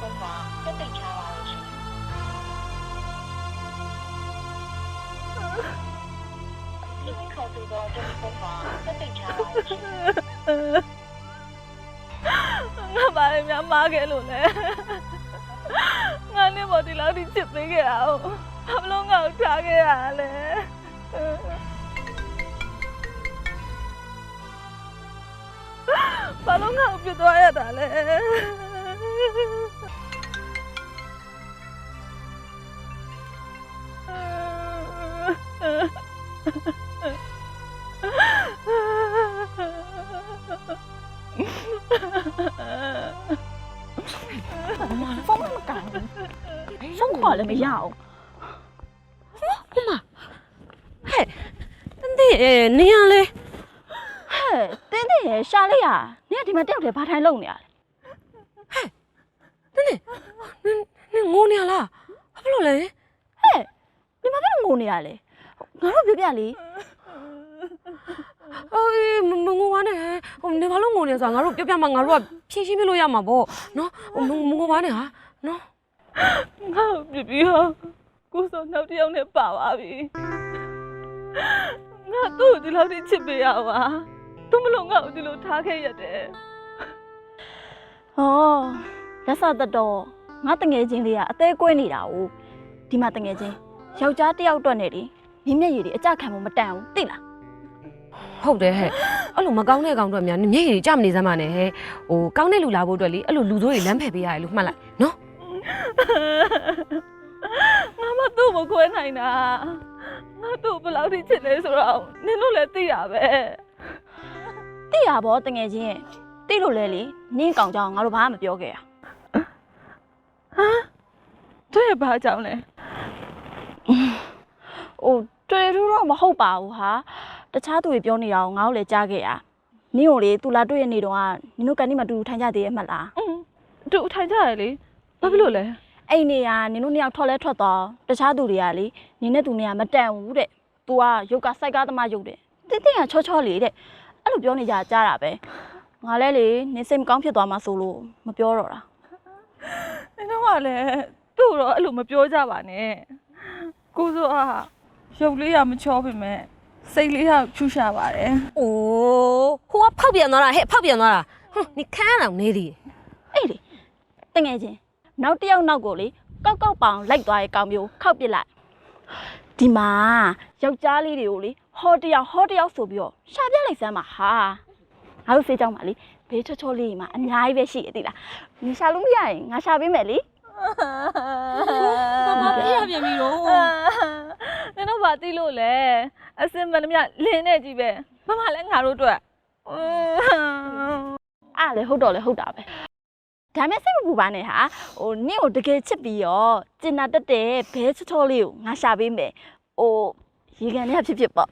风房跟被查完了是。因为考虑到这个风房跟被查完了是。 ငါဘာလဲများမားခဲ့လို့လဲငါနဲ့ပေါ်ဒီလောက်ထိချစ်ပေးခဲ့တာ哦ဘာလို့ငါ့ကိုထားခဲ့ရလဲဘာလို့ငါ့ကိုပြစ်သွားရတာလဲ风那么干，风垮了没要？ 妈，嘿，你你样嘞？ 嘿，弟弟啥嘞呀？你还他妈吊着爬台弄呢？ 你我娘啦，不咯嘞？ 嘿，你妈不我呢嘞？我说别别哩。 我玩呢，你ဘာလို့ငိုနေဆိုငါတို့ပြပြမှာငါတို့ကဖြင်းရှင်းပြလို့ရမှာပေါ့နော်ငိုပါနဲ့ဟာနော်ငါ့ကိုပြစ်ပြီးတော့ကိုစောနောက်တစ်ယောက်နဲ့ပါသွားပြီငါသူ့ကိုဒီလောက်ထိချစ်ပေးရပါသူမလို့ငါ့ကိုဒီလိုထားခဲ့ရတယ်哦，လက်စတတော်ငါတငယ်ချင်းလေးကအသေးကွဲနေတာ哦ဒီမှာတငယ်ချင်းယောက်ျားတစ်ယောက်အတွက်နေလေမြင်းမျက်ရည်တွေအကြခံမှုမတန်ဘူးသိလားဟုတ်တယ်ဟဲ့အဲ့လိုမကောင်းတဲ့ကောင်တွေများမျက်ရည်ကြမနေစမ်းပါနဲ့ဟဲ့ဟိုကောင်းတဲ့လူလာဖို့အတွက်လေအဲ့လိုလူဆိုးတွေလမ်းဖယ်ပေးရတယ်လို့မှတ်လိုက်နော်ငါမသူ့ကိုခွဲနိုင်တာငါသူ့ဘယ်လောက်ထိချစ်လဲဆိုတော့နင်တို့လည်းသိတာပဲသိရပါတငယ်ချင်းသိလို့လဲလေနင်းကောင်ကြောင်ငါတို့ဘာမှမပြောခဲ့ရတွေ့ရပါကြောင်းလဲဟိုတွေ့ထူးတော့မဟုတ်ပါဘူးဟာတခြားသူတွေပြောနေတာကိုငါတို့လည်းကြားခဲ့ရနင်းကိုလေသူလာတွေ့ရနေတော့ကနင်တို့ကန်ဒီမှာတူတူထိုင်ကြသေးရဲ့မှတ်လားတူထိုင်ကြရလေဘာဖြစ်လို့လဲအဲ့နေရနင်တို့နှစ်ယောက်ထွက်လဲထွက်သွားတခြားသူတွေကလေနင်းနဲ့သူနဲ့ကမတန်ဘူးတဲ့ तू ကရုပ်ကစိုက်ကားသမားရုပ်တဲ့တင်းတင်းကချောချောလေးတဲ့အဲ့လိုပြောနေကြကြားတာပဲငါလဲလေနင်းစိတ်မကောင်းဖြစ်သွားမှဆိုလို့မပြောတော့တာနင်တို့ကလည်းသူ့တော့အဲ့လိုမပြောကြပါနဲ့ကိုစိုးကရုပ်လေးကမချောပေမဲ့စိတ်လေးကဖြူရှာပါတယ်အိုးဟိုကဖောက်ပြန်သွားတာဟဲ့ဖောက်ပြန်သွားတာဟွန်း你看အောင်နေသည်အေးလေတငယ်ချင်းနောက်တစ်ယောက်နောက်ကိုလေကောက်ကောက်ပောင်လိုက်သွားရဲ့ကောင်မျိုးခောက်ပစ်လိုက်ဒီမှာယောက်ျားလေးတွေကိုလေဟောတယောက်ဆိုပြီးတော့ရှာပြလိုက်စမ်းပါဟာငါတို့စေးကြောင်းပါလေဘေးချောချောလေးမှာအများကြီးပဲရှိရသေးလားနင်ရှာလို့မရရင်ငါရှာပေးမယ်လေဘာဖြစ်ရပြန်ပြီတော့နင်တို့ဘာသိလို့လဲအစင်မနှမြလင်းနေကြီးပဲမမလည်းငါတို့အတွက်အားလေဟုတ်တော့လေဟုတ်တာပဲဒါမဲ့စိတ်မပူပါနဲ့ဟာဟိုနင့်ကိုတကယ်ချစ်ပြီးတော့ကျင်နာတက်တဲ့ဘဲချောချောလေးကိုငါရှာပေးမယ်ဟိုရေကန်လေးဖြစ်ပေါ့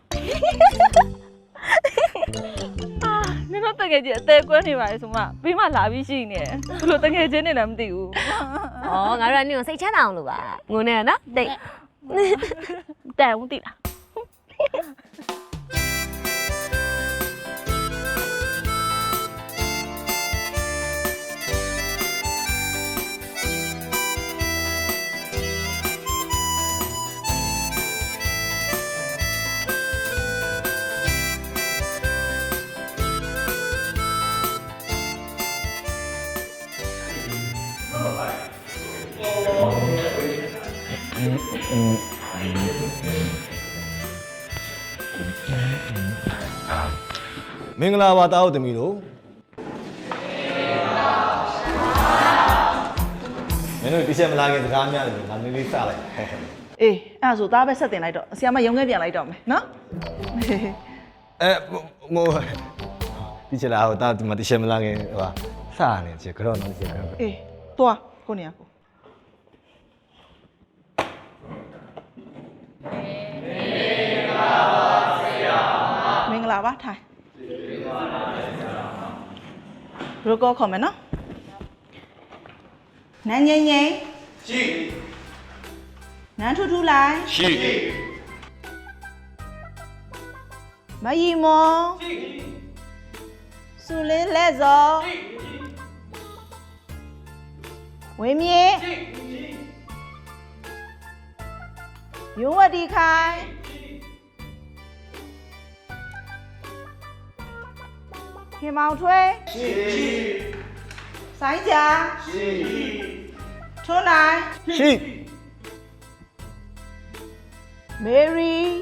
နင်တို့တကယ်ကြီးအသေးကွဲနေပါလေဆိုမှဘေးမှာလာပြီးရှိနေတယ်ဘလို့တကယ်ချင်းနေလည်းမသိဘူးဩငါတို့ကနင်ကိုစိတ်ချမ်းသာအောင်လို့ပါငိုနေရနော်တိတ်တန်ဦးသိလားမင်္ဂလာပါတာဟုတ်သမီးတို့မင်းတို့ဒီချက်မလာခင်စကားများတယ်ငါနည်းနည်းစလိုက်အေးအဲ့ဒါဆိုသားပဲဆက်တင်လိုက်တော့ဆီယမရုံခဲ့ပြန်လိုက်တော့မယ်နော်မို့ဒီချက်လာဟိုတာဒီမှာဒီချက်မလာခင်ဟိုဟာစရနေချက်ကြောတော့ချက်ကြောအေးသွားကိုနေရကိုမင်္ဂလာပါထိုင်ရိုကောခေါ်မယ်နော်နန်းငိမ့်ငိမ့်ရှိနန်းထူထူလိုက်ရှိမယီမောရှိဆူလင်းလက်စောဝဝင်းမြင့်ယုံဝတီခိုင်ခင်မောင်ထွေးစိုင်းကြာထွန်းနိုင်ရှိမေရီ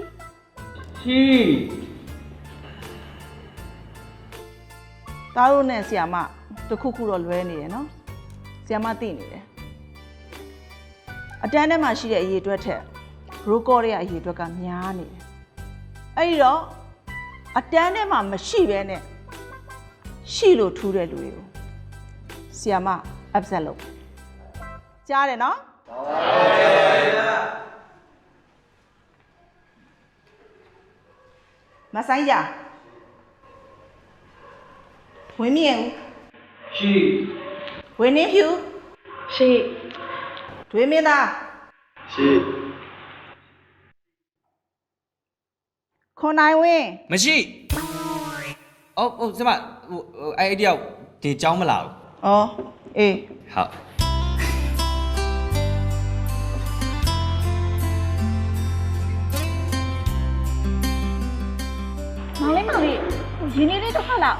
သားတို့နဲ့ဆီယာမတစ်ခုခုတော့လွဲနေတယ်နော်ဆီယာမသိနေတယ်အတန်းထဲမှာရှိတဲ့အရေးအတွက်ထက်ရိုးကောရဲ့အရေးအတွက်ကများနေတယ်အဲ့ဒီတော့အတန်းထဲမှာမရှိဘဲနဲ့ရှိလို့ထူးတဲ့လူတွေကိုဆီယာမ upset လုပ်ကြားတယ်နော်မဆိုင်ကြဝင်းမြင့်ဦးရှိဝင်းနေဖြူရှိဒွေမင်းသားရှိခွန်နိုင်ဝင်းမရှိဟုတ်စမဟိုအဲ့ဒီရောက်ဒီเจ้าမလာဘူးဩအေးဟုတ်မောင်လေးရင်းနေလေးတစ်ခါလောက်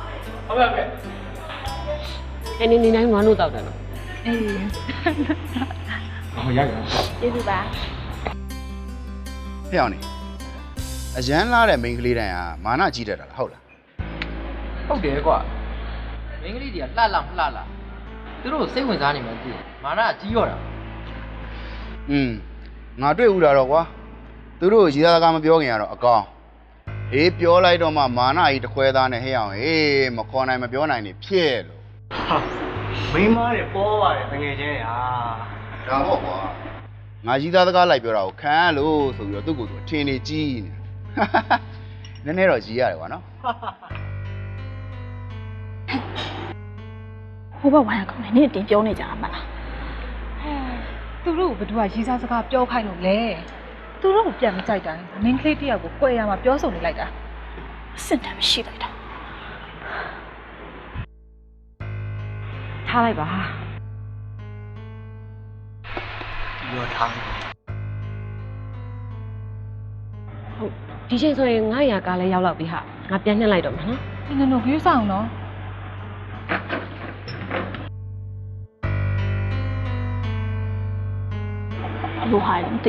အဲ့နေတိုင်းမနှုတ်တော့တယ်နော်အေးဟိုရောက်ရကျေးဇူးပါဖျောင်းနေအရန်လာတဲ့မိန်းကလေးတိုင်းဟာမာနကြီးတတ်တာလားဟုတ်လားဟုတ်တယ်ကွာမင်းကလေးတွေကလှလှလှလှသူတို့စိတ်ဝင်စားနေမှသိတယ်မာနကြီးရောတာငါတွေ့ဦးတာတော့ကွာသူတို့ရည်သားကားမပြောခင်ကတော့အကောင်အေးပြောလိုက်တော့မှမာနကြီးတစ်ခွဲသားနဲ့ဟဲ့အောင်ဟေးမခေါ်နိုင်မပြောနိုင်နေဖြစ်လို့မိန်းမတွေပေါ်ပါတယ်တကယ်ချင်းဟာဒါပေါ့ကွာငါရည်သားကားလိုက်ပြောတာကိုခံလို့ဆိုပြီးတော့သူ့ကိုယ်သူအထင်နေကြီးနေနည်းနည်းတော့ကြီးရတယ်ကွာနော်ဟိုဘက်ဝိုင်းကောင်နေတင်ပြောနေကြတာမလားသူတို့ကဘယ်သူကရေးစားစကားပြောခိုင်းလို့လဲသူတို့ကိုပြန်မကြိုက်တာမင်းကလေးတယောက်ကိုကြွယ်ရမှာပြောဆိုနေလိုက်တာအစင်တမ်းမရှိလိုက်တာထားလိုက်ပါပြောထားဟုတ်ဒီချိန်ဆိုရင်900ကားလဲရောက်လောက်ပြီဟာငါပြန်နှက်လိုက်တော့မှာနော်ဒီနင်တို့ကြီးဆောင်နော်လိုဟာလည်းမသိ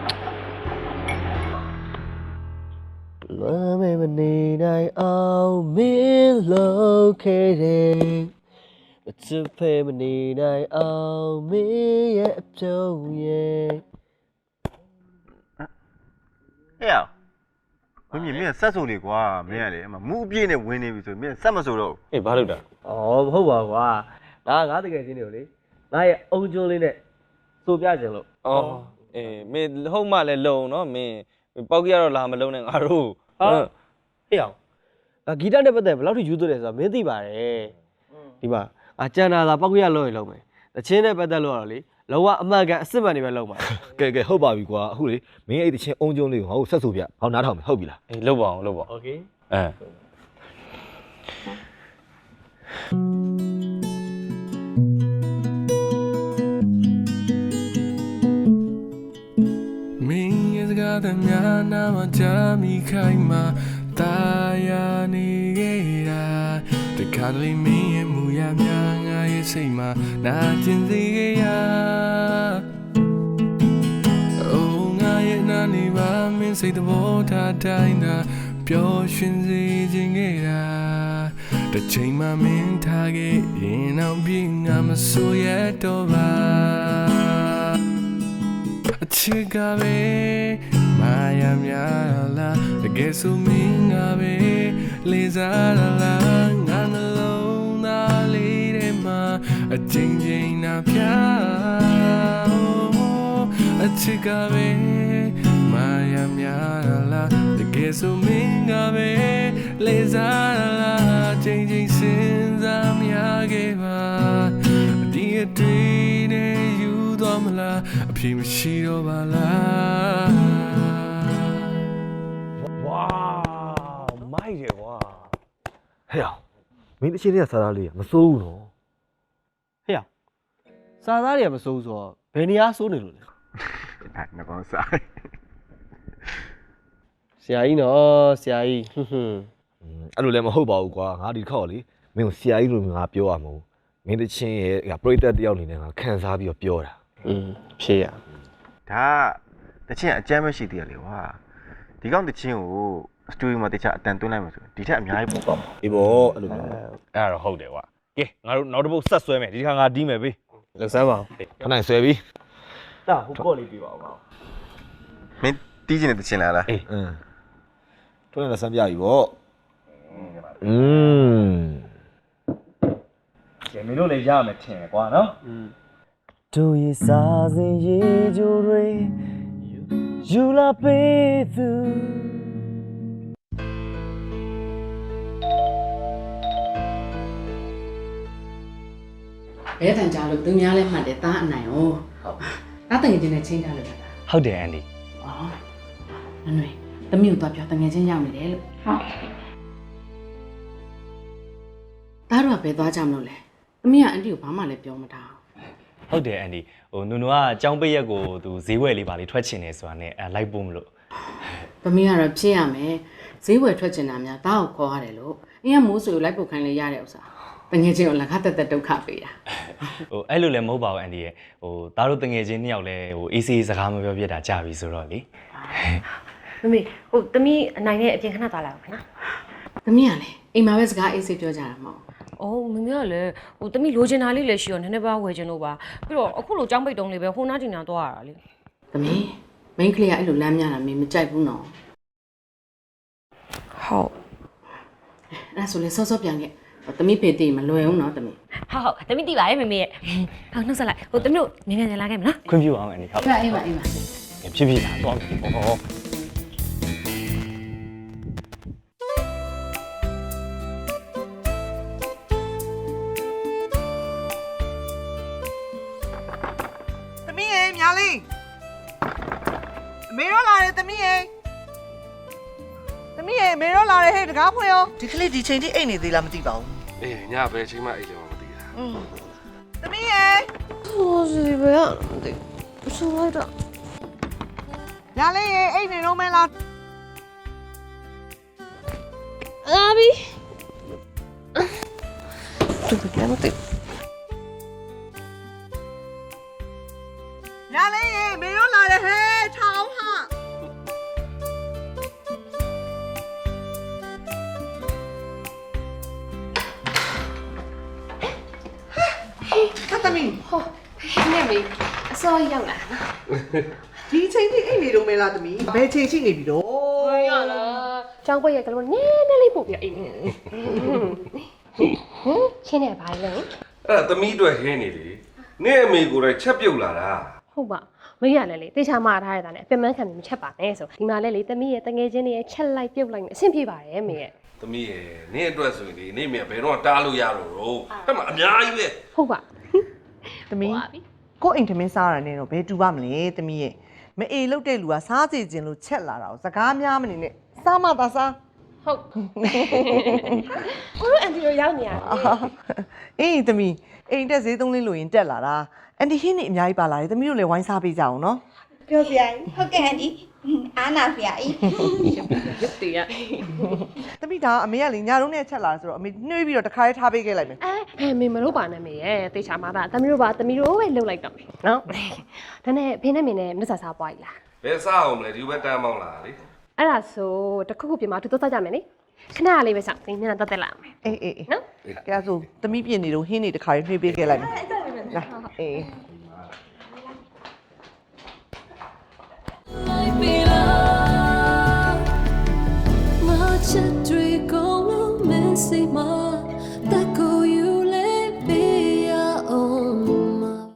လွမ်းမေမနေနိုင်အောင်မင်းလို့ခဲ့တယ်မချစ်ဖေမနေနိုင်အောင်မင်းရဲ့အပြုံးရဲ့ဟဲ့ဝင်းမြင့်မင်းဆက်စုံနေကွာမင်းကလေအမမူအပြည့်နဲ့ဝင်နေပြီဆိုမင်းဆက်မဆိုတော့အေးဘာလုပ်တာဩမဟုတ်ပါကွာဒါငါတကယ်ချင်းနေကိုလေငါရဲ့အုံကျိုးလေးနဲ့စိုးပြကြလို့အော်အေးမင်းဟုတ်မှလည်းလုံနော်မင်းပေါက်ကြီးကတော့လာမလုံနဲ့ငါတို့ဟာဟေ့အောင်ဂီတနဲ့ပတ်သက်ဘယ်လောက်ထိယူသွတယ်ဆိုတာမင်းသိပါတယ်ဒီမှာကျန်တာသာပောက်ရလို့ရလုံးမယ်တချင်းနဲ့ပတ်သက်လို့တော့လေလောကအမှန်ကန်အစ်စ်မှန်နေပဲလုံးပါကဲဟုတ်ပါပြီကွာအခုလေမင်းအဲ့တချင်းအုံကျုံလေးကိုငါ့ကိုဆက်ဆိုပြဟောနားထောင်မယ်ဟုတ်ပြီလားအေးလုပ်ပါအောင်လုပ်ပါโอเคမင်းရဲ့စကားသမျှနာမကြမိခိုင်မှာတာယာနေခဲ့တာတခါတလေမင်းရဲ့မူရများငါရဲ့စိတ်မှာနာကျင်စေခဲ့ရအိုးငါရဲ့နာနေပါမင်းစိတ်သဘောထားတိုင်းသာပျော်ရွှင်စေခြင်းခဲ့တာတစ်ချိန်မှမင်းထားခဲ့ရင်အောင်ပြင်းငါမဆိုရတော့ပါအချစ်ကပဲမာယာများလားတကယ်ဆိုမင်းကပဲလေးစားလားငါနှလုံးသားလေးထဲမှာအချိန်ချင်းနာပြအချစ်ကပဲမာယာများလားတကယ်ဆိုမင်းကပဲလေးစားလားအချိန်ချင်းစဉ်းစားမြခဲ့ပါဒီအတွေ့နဲ့ယူသွားမလားအဖြစ်မရှိတော့ပါလားဝါမိုက်တယ်ကွာဟဲ့အောင်မင်းတချင်းလေးကစားသားလေးမစိုးဘူးနော်ဟဲ့အောင်စစားသားတွေကမစိုးဆိုတော့ဘယ်နေရာစိုးနေလို့လဲဒါငကောင်းစားဆရာကြီးနော်ဆရာကြီးဟွန်းအဲ့လိုလည်းမဟုတ်ပါဘူးကွာငါဒီတစ်ခေါက်လေမင်းကိုဆရာကြီးလိုငါပြောရမလို့မင်းတချင်းရဲ့ပရိသတ်တယောက်အနေနဲ့ငါခံစားပြီးတော့ပြောတာဖြေရဒါတချင်းအကြမ်းမရှိသေးရလေကွာဒီကောင်တချင်းကိုစတူဒီယိုမှာတခြားအတန်သွင်းလိုက်မှဆိုဒီထက်အများကြီးပို့ပါမှာအေးပေါ့အဲ့လိုမျိုးအဲ့ဒါတော့ဟုတ်တယ်ကွာကဲငါတို့နောက်တစ်ပုတ်ဆက်ဆွဲမယ်ဒီတစ်ခါငါတီးမယ်ဘေးလောက်စမ်းပါဦးခဏဆွဲပြီးတာဟိုကော့လေးပြပါဦးမင်းတီးချင်တဲ့တချင်းလားအေးထွန်းရတဲ့ဆမ်းပြပြီပေါ့ကဲမင်းတို့လည်းရမယ်ထင်တယ်ကွာနော်တို့ရဲ့စားစင်ရေကြိုတွေယူလာပေးသူဘဲတန်ကြလို့သူများလည်းမှတ်တယ်တားအနိုင်哦ဟုတ်တားတငယ်ချင်းနဲ့ချင်းကြလို့လားဟုတ်တယ်အန်ဒီဩနွေသမီးကိုတော့ပြောတငယ်ချင်းရောက်နေတယ်လို့ဟုတ်တားတော့ပဲသွားကြမလို့လဲသမီးကအန်တီကိုဘာမှလည်းပြောမထားဟုတ်တယ်အန်ဒီဟိုနူနူကအကြောင်းပိတ်ရက်ကိုသူဈေးဝယ်လေးပါလေးထွက်ချင်နေဆိုတာနဲ့လိုက်ပို့မလို့သမီးကတော့ဖြစ်ရမယ်ဈေးဝယ်ထွက်ချင်တာများတားကိုခေါ်ရတယ်လို့အင်းကမိုးဆွေကိုလိုက်ပို့ခိုင်းလေရတဲ့ဥစ္စာတငယ်ချင်းကိုလက်ခတက်တက်ဒုက္ခပေးတာဟိုအဲ့လိုလည်းမဟုတ်ပါဘူးအန်ဒီရဲ့ဟိုသားတို့တငယ်ချင်းနှစ်ယောက်လည်းဟို AC စကားမပြောပြတာကြာပြီဆိုတော့လေမမေဟိုသမီးအနိုင်နဲ့အပြင်ခဏသွားလာအောင်ခင်ဗျာသမီးကလည်းအိမ်မှာပဲစကားအေးဆေးပြောကြတာမဟုတ်အော်မမေကလည်းဟိုသမီးလိုချင်တာလေးလည်းရှိရောနည်းနည်းပါးဝယ်ချင်လို့ပါပြီးတော့အခုလိုကြောင်းပိတ်တုံးလေးပဲဟိုနားတင်နာသွားရတာလေသမီးမိန်းကလေးကအဲ့လိုလမ်းများတာမင်းမကြိုက်ဘူးနော်ဟုတ်အဲ့ဆိုလေစောစောပြန်ခဲ့သမီးဖေတည်မလွယ်ဘူးနော်သမီးဟုတ်သမီးတိပါရဲ့မမေရဲ့ဟုတ်နှုတ်ဆက်လိုက်ဟိုသမီးတို့မြန်မြန်လာခဲ့မလားခွင့်ပြုအောင်အန်ဒီဟုတ်အေးပါအေးပါဖြစ်ဖြစ်လာတော့ဟောသမီးရေမြာလေးအမေရောလာတယ်သမီးရေသမီးရေအမေရောလာတယ်ဟဲ့တကားဖွင့်ရောဒီကလေးဒီချိန်ထိအိတ်နေသေးလားမသိပါဘူးအေးညဘယ်ချိန်မှအိတ်လဲမသိတာသမီးရေဟိုစီပဲရဆိုလိုက်တော့မြာလေးရေအိတ်နေတော့မဲလားအာဘီသူကလည်းမသိမြာလေးရေအမေရောလာတယ်ဟဲ့ထောင်းဟာဟာသမီးဟောနေမေအစောရောက်လာနော်ဒီချိန်ထိအိတ်နေတော့မဲလားသမီးဘယ်ချိန်ရှိနေပြီတော့ရလားကျောင်းပွက်ရကလေးနည်းနည်းလေးပို့ပြအိမ်ချင်းနေပါလေအဲ့သမီးအတွက်ဟင်းနေလေနေ့အမေကိုယ်တိုင်ချက်ပြုတ်လာတာဟုတ်ပါမရလည်းလေတေချာမှားထားရတာနဲ့အပြစ်မှန်းခံပြီးမချက်ပါနဲ့ဆိုဒီမှာလည်းလေသမီးရဲ့တငယ်ချင်းတွေရဲ့ချက်လိုက်ပြုတ်လိုက်နဲ့အဆင်ပြေပါတယ်မေရဲ့သမီးရဲ့နေ့အတွက်ဆိုရင်လေနေ့မြဘယ်တော့တားလို့ရတော့အဲ့မှာအများကြီးပဲဟုတ်ပါသမီးကိုအိမ်ထမင်းစားရတဲ့တော့ဘယ်တူပါမလဲသမီးရဲ့မအေလုတ်တဲ့လူကစားစီခြင်းလို့ချက်လာတာကိုစကားများမနေနဲ့စားမသာစားဟုတ်ကိုတို့အန်တီတို့ရောက်နေရတယ်အေးသမီးအိမ်တက်ဈေးသုံးလေးလို့ရင်တက်လာတာအန်တီဟင်းနေအများကြီးပါလာတယ်သမီးတို့လည်းဝိုင်းစားပေးကြအောင်နော်ပြောစရာကြီးဟုတ်ကဲ့အန်ဒီအားနာစရာကြီးရုပ်တည်ရသမီးဒါအမေကလေညာတော့နဲ့ချက်လာဆိုတော့အမေနှွေးပြီးတော့တခါလေးထားပေးခဲ့လိုက်မယ်အဲမေမလို့ပါနဲ့မေရဲ့တေချာမှားတာသမီးတို့ပါသမီးတို့ပဲလှုပ်လိုက်တော့မယ်နော်ဒါနဲ့ဖေနဲ့မေနဲ့မြတ်ဆာစားပွားကြီးလားဘယ်စားအောင်မလဲဒီဘက်တန်းမောင်းလာလေအဲ့ဒါဆိုတခုခုပြင်မှာသူတို့စားကြမယ်လေခဏလေးပဲစောင့်နေမျက်နှာတက်တက်လာမယ်အေးအေးနော်ကဲဆိုသမီးပြင်နေတော့ဟင်းနေတခါလေးနှွေးပေးခဲ့လိုက်မယ်လာအေး